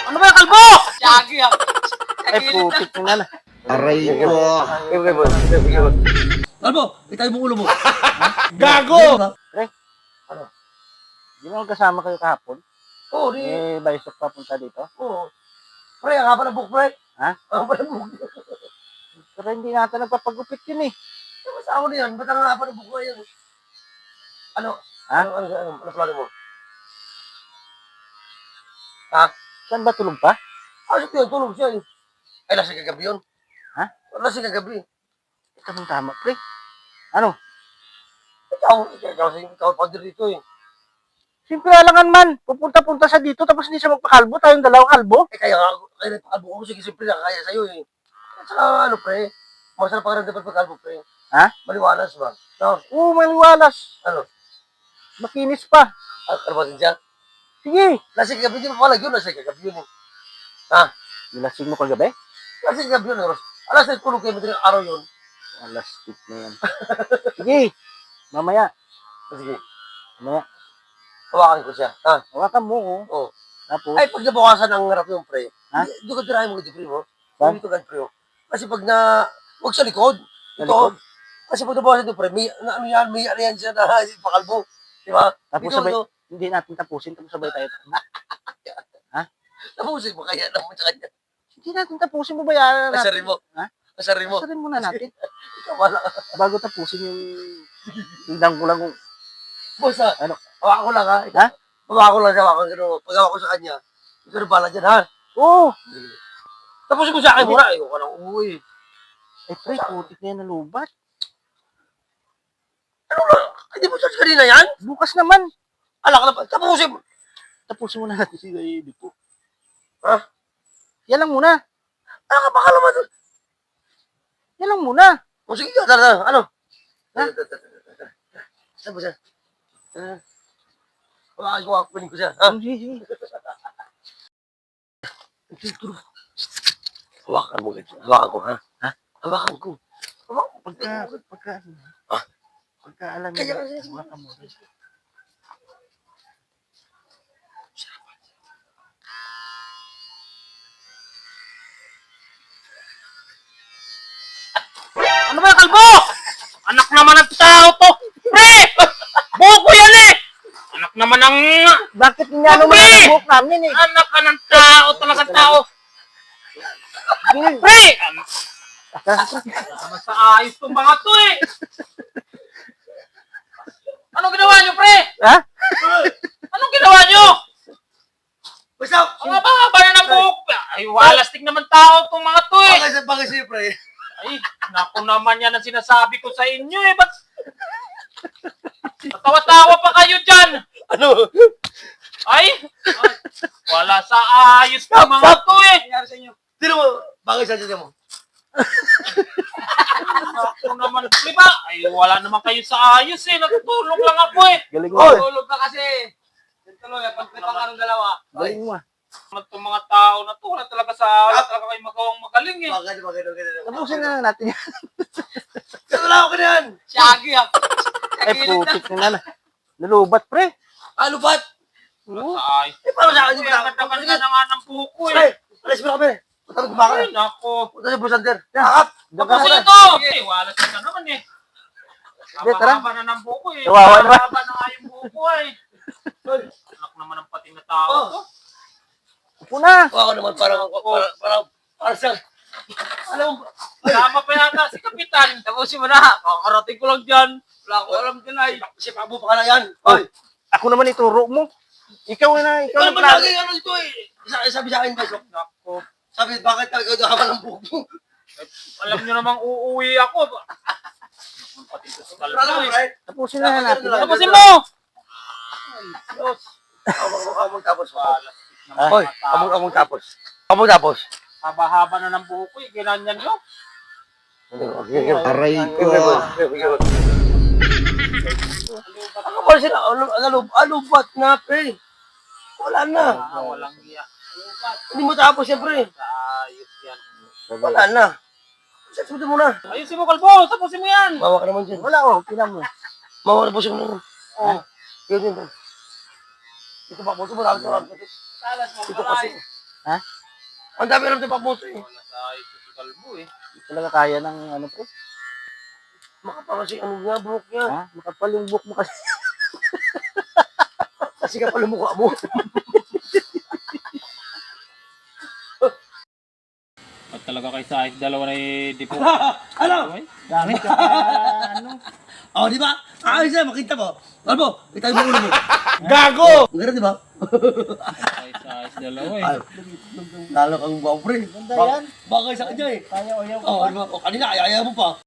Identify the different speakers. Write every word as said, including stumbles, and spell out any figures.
Speaker 1: Ano ba, kalbo? Shaggy ah.
Speaker 2: Ay, putik na na.
Speaker 3: Aray ko.
Speaker 2: Okay, boss. Okay, boss.
Speaker 4: Kalbo, itay mo ulo mo.
Speaker 3: Gago!
Speaker 2: Pre, ano? Di mo kasama kayo kahapon?
Speaker 4: Oo, di.
Speaker 2: Eh, Baysok papunta dito?
Speaker 4: Oo. Pre, ang haba ng buhok, pre.
Speaker 2: Ha?
Speaker 4: Ang haba ng buhok.
Speaker 2: Pero hindi natin nagpapagupit yun eh.
Speaker 4: Basta ako na yan. Ba't ang haba ng buhok na yan? Ano?
Speaker 2: Ha?
Speaker 4: Ano, ano, ano, ano plano mo? Ha?
Speaker 2: Saan ba tulog pa?
Speaker 4: Ah, siya yun, tulog siya eh. Ay, lasing kagabi yun.
Speaker 2: Ha?
Speaker 4: Lasing kagabi.
Speaker 2: Tamang tama, pre. Ano?
Speaker 4: Ikaw, ikaw, ikaw, ikaw, pa dito eh.
Speaker 2: Simple alangan man. Pupunta-punta sa dito tapos hindi siya magpakalbo. Tayong dalawang kalbo.
Speaker 4: Eh, kaya nga, kaya nagpakalbo ko, sige, simple lang, kaya sa'yo eh. At saka, ano, pre, masarap pakiramdaman pagkalbo, pre.
Speaker 2: Ha?
Speaker 4: Maliwalas ba? No?
Speaker 2: Oo, maliwalas.
Speaker 4: Ano?
Speaker 2: Makinis pa.
Speaker 4: Ano, ano ba din siya?
Speaker 2: Sige.
Speaker 4: Lasing kagabi, di ba palag yun? Lasing kagabi yun eh. Ha?
Speaker 2: Nilasing mo kagabi?
Speaker 4: Lasing kagabi yun, Ros. Alas na tulog kayo, madaling araw yun.
Speaker 2: Alas tip na yan. Sige. Mamaya.
Speaker 4: Sige,
Speaker 2: Mamaya.
Speaker 4: hawakan ko siya. Ha?
Speaker 2: Hawakan mo, oh.
Speaker 4: Oo.
Speaker 2: Tapos,
Speaker 4: Ay, pag nabukasan ang harap yung pre,
Speaker 2: Ha?
Speaker 4: di ko tirahin mo dito, pre, mo.
Speaker 2: Saan?
Speaker 4: Dito ka, pre, oh. Kasi pag na, huwag sa likod.
Speaker 2: Sa
Speaker 4: Ito,
Speaker 2: likod?
Speaker 4: kasi pag nabukasan ito, pre, may, na, ano yan, may ano yan siya na pakalbo. Di ba?
Speaker 2: tapos
Speaker 4: Dito,
Speaker 2: sabay,
Speaker 4: ito,
Speaker 2: hindi natin tapusin. Tapos sabay tayo.
Speaker 4: tapusin mo kaya naman sa kanya.
Speaker 2: Hindi natin tapusin mo bayaran natin.
Speaker 4: Kasarin mo.
Speaker 2: Ha?
Speaker 4: Kasarin mo.
Speaker 2: Kasarin muna natin.
Speaker 4: Ikaw, wala ka.
Speaker 2: Bago tapusin yung hindang ko lang kung
Speaker 4: Boss, ha?
Speaker 2: Ano?
Speaker 4: Hawakan ko lang, ha?
Speaker 2: Ha?
Speaker 4: Hawakan ko lang siya, hawakan ko. Pag hawakan ko sa kanya, ikaw na pala dyan, ha?
Speaker 2: Oo.
Speaker 4: Tapusin ko sa akin muna. Ayoko ka nang umuwi.
Speaker 2: Eh, pre, putik na yan na lubat.
Speaker 4: Ano na? Hindi mo sa kanina yan?
Speaker 2: Bukas naman.
Speaker 4: Alak na pa. Tapusin mo.
Speaker 2: Tapusin muna natin si Baby po.
Speaker 4: Ha?
Speaker 2: Yan lang muna.
Speaker 4: Ano ka baka naman?
Speaker 2: Yan lang muna.
Speaker 4: O sige, tara, tara. Ano?
Speaker 2: Ha?
Speaker 4: Saan ba siya? Ah. Hawakan ko, hawakan ko siya. Ha?
Speaker 2: Sige, sige.
Speaker 4: Hawakan mo ganyan. Hawakan ko, ha?
Speaker 2: Ha?
Speaker 4: Hawakan ko. Hawakan ko.
Speaker 2: Pagka, pagka,
Speaker 4: Ha?
Speaker 2: pagka alam mo,
Speaker 4: Kaya kasi-
Speaker 2: hawakan mo.
Speaker 1: Ano ba, kalbo? Anak naman ng tao to. Pre! Buko yan eh! Anak naman ng...
Speaker 2: Bakit nga naman
Speaker 1: Bakit?
Speaker 2: ang buhok namin eh?
Speaker 1: Anak ka ng tao, talaga tao.
Speaker 2: Sige.
Speaker 1: Pre! Anak naman sa ayos tong mga to eh. Anong ginawa nyo, pre?
Speaker 2: Ha?
Speaker 1: Anong ginawa nyo?
Speaker 4: Basta,
Speaker 1: Ang haba-haba na ng buhok. Ay, walastik naman tao tong mga to eh.
Speaker 4: bakit sa bagay sa'yo, pre?
Speaker 1: Ay, naku naman yan ang sinasabi ko sa inyo eh. Ba't Tawa-tawa pa kayo dyan?
Speaker 4: Ano?
Speaker 1: Ay, ay, wala sa ayos ng mga to eh.
Speaker 4: Nangyari sa inyo? Sino mo? Bagay sa dyan mo?
Speaker 1: Naku naman, di ba? Ay, wala naman kayo sa ayos eh. Natutulog lang ako eh.
Speaker 2: Galing mo.
Speaker 4: Oy!
Speaker 2: eh.
Speaker 4: Tulog ka kasi. Tuloy, pagpipang ka ng dalawa.
Speaker 2: Galing mo. ah.
Speaker 1: Naman itong mga tao na to, wala talaga sa wala talaga kayo magawang magaling eh.
Speaker 4: Bagay, bagay, bagay.
Speaker 2: Tapusin na lang natin yan.
Speaker 4: Wala ako ka na yan.
Speaker 1: Shaggy ah.
Speaker 2: Ay, putik na na. Nalubat, pre.
Speaker 4: Ano ba't?
Speaker 2: Oo.
Speaker 1: Sa ayos.
Speaker 4: Eh, paano sa akin?
Speaker 1: Ay, ang ganda-ganda na nga ng buko
Speaker 4: Pre,
Speaker 1: eh.
Speaker 4: alis mo na kami. Punta mo kumaka.
Speaker 1: Ay, naku.
Speaker 4: Punta sa busander. Yakap.
Speaker 1: Tapusin na to. Eh, wala na naman eh.
Speaker 2: Hindi, tara.
Speaker 1: Haba na ng buko eh.
Speaker 2: Kawawa naman.
Speaker 1: Haba na nga yung buko eh. Anak naman ng pating na tao
Speaker 4: Oh.
Speaker 1: to.
Speaker 2: Upo na.
Speaker 4: Ako naman parang, parang, parang, parang sa, alam mo,
Speaker 1: Tama pa yata si Kapitan.
Speaker 4: tapusin mo na. Kakarating ko lang dyan. Wala ko alam dyan ay. Si Pabo pa ka na yan. Oy.
Speaker 2: Ako naman ituro mo. Ikaw na, ikaw
Speaker 4: Ikaw
Speaker 2: na
Speaker 4: naman
Speaker 2: plan.
Speaker 4: lagi ano ito eh. Sabi, sabi sa akin, Besok.
Speaker 1: Naku.
Speaker 4: Sabi, bakit tayo ikaw haba ng buhok mo?
Speaker 1: Alam nyo namang uuwi ako. Pati sa
Speaker 4: Wala
Speaker 1: kalbo
Speaker 4: lang,
Speaker 1: eh.
Speaker 4: right?
Speaker 2: Tapusin na lang natin. yan.
Speaker 1: Tapusin mo!
Speaker 4: Diyos. Among, among tapos.
Speaker 2: Ah.
Speaker 4: Hoy, among, among tapos. Among tapos.
Speaker 1: Haba-haba na ng buko eh. Ginanyan nyo.
Speaker 3: Aray ko.
Speaker 4: Ako pa sila, ano, ano, ano, ba't na, pre? Wala na.
Speaker 1: Ah, walang iya.
Speaker 4: Hindi mo tapos yan, pre.
Speaker 1: Sa ayos yan.
Speaker 4: Wala na. Sabi mo na.
Speaker 1: Ayusin mo, kalbo. Tapusin mo yan.
Speaker 4: Mawa ka naman dyan.
Speaker 2: Wala, oh. Tingnan mo.
Speaker 4: Mawa na po siya naman.
Speaker 1: Oh.
Speaker 4: Yun yun. Ito pa, buto mo lang ito.
Speaker 1: Talas mo
Speaker 4: Ito
Speaker 1: pala
Speaker 4: kasi.
Speaker 1: eh.
Speaker 2: Ha?
Speaker 4: Ang dami naman pa puso eh.
Speaker 1: Wala sa ayos si Kalbo eh.
Speaker 2: Hindi talaga kaya ng ano pre.
Speaker 4: Makapal kasi ano nga, buhok niya.
Speaker 2: Ha? Makapal yung book mo kasi.
Speaker 4: Kasi kapal ang mukha mo.
Speaker 1: At talaga kay sa ayos dalawa na eh, di po.
Speaker 4: Ano?
Speaker 2: Dami ka pa, ano.
Speaker 4: Oh, di ba? Ayos na, makita mo. Kalbo, kita mo ulo mo.
Speaker 3: Gago!
Speaker 4: Ang ganda, di ba?
Speaker 1: Kay sa ayos dalawa eh.
Speaker 4: Ay, lalo kang guwapo, pre.
Speaker 2: Ganda yan.
Speaker 4: Bagay sa kanya eh.
Speaker 2: Kaya o yan
Speaker 4: Oh, di ba? Oh, kanina, ayaw mo pa.